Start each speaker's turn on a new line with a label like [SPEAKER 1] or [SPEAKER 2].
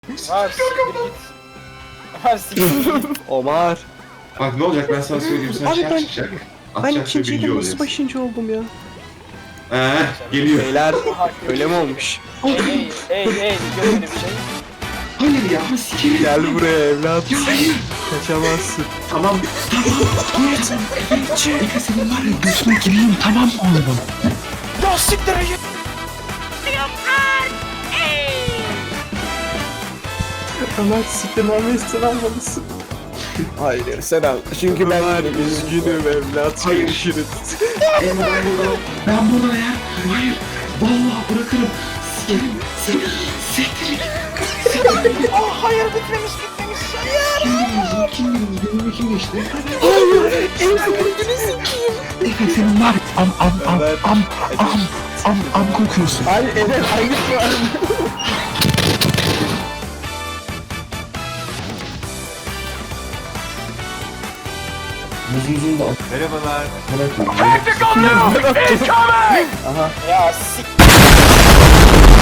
[SPEAKER 1] Var siktir git. Var siktir git.
[SPEAKER 2] Omar.
[SPEAKER 3] Bak ne olacak ben sana söyleyeyim sen
[SPEAKER 2] Abi
[SPEAKER 3] şey
[SPEAKER 2] ben-
[SPEAKER 3] çıkacak.
[SPEAKER 2] Ben
[SPEAKER 3] Atacak ve
[SPEAKER 2] ikinciydim
[SPEAKER 3] birinci
[SPEAKER 2] nasıl
[SPEAKER 3] olacaksın.
[SPEAKER 2] başıncı oldum ya?
[SPEAKER 3] Geliyor.
[SPEAKER 2] Beyler
[SPEAKER 1] Aha,
[SPEAKER 2] öyle mi olmuş?
[SPEAKER 1] Hey görmedi bir şey.
[SPEAKER 3] Hayır ya sikerim.
[SPEAKER 2] Gel buraya evlat.
[SPEAKER 3] Ya hayır.
[SPEAKER 2] Kaçamazsın.
[SPEAKER 3] Tamam. Efe senin var ya göğsüne gireyim tamam mı oğlum?
[SPEAKER 1] Ya siktir git.
[SPEAKER 2] Ömer siktirmemi sen almalısın. Hayır sen al. Çünkü ben üzgünüm evlat.
[SPEAKER 3] Hayır.
[SPEAKER 2] Görüşürüz.
[SPEAKER 3] Ben burada ya. Hayır. Vallahi bırakırım. Sikerim. Siktir.
[SPEAKER 1] Hayır bitmemiş.
[SPEAKER 3] Kim benim kim geçti? Efe senin var. Am kokuyorsun.
[SPEAKER 2] Hayır evet hayır.
[SPEAKER 3] Muzumuzun da
[SPEAKER 2] Merhabalar.
[SPEAKER 3] bırakın.
[SPEAKER 1] Ya sik.